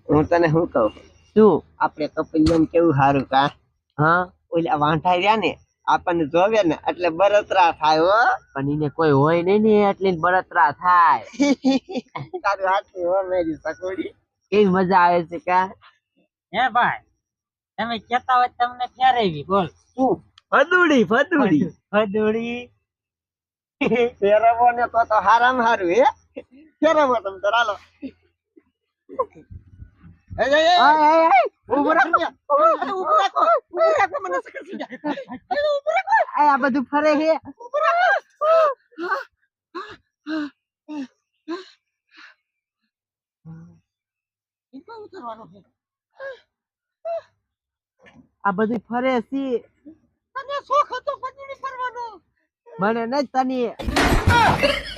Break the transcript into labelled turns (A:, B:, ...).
A: હું તને શું કહું
B: શું?
A: આપણે કપિલમ કેવું સારું કા
B: હા
A: ઓલા વાંઢા રહ્યા ને આપણને જોવે ને એટલે બળતરા થાય હો
B: પણ એને કોઈ હોય નહીં ને એટલે બળતરા થાય.
A: તારું હાથું હો મેરી સકોડી
B: કેવી મજા આવે છે કા?
C: હે ભાઈ તમે કેતા હોય તમને ફેરવી બોલ
A: શું
B: ફદુડી ફદુડી.
C: હદુડી
A: ફેરવો ને તો હારામાં હારું હે ફેરવો તમે તો હાલો એ
B: ઉભો રાખો.
A: ઉભો રાખો મને સકસી જાય ઉભો રાખો
B: આ બધું ફરે છે.
A: ઇકો ઉતરવાનો છે
B: આ બધું ફરે છે.
A: તને શોખ હતો પગડી ફરવાનો
B: મને નહીં તને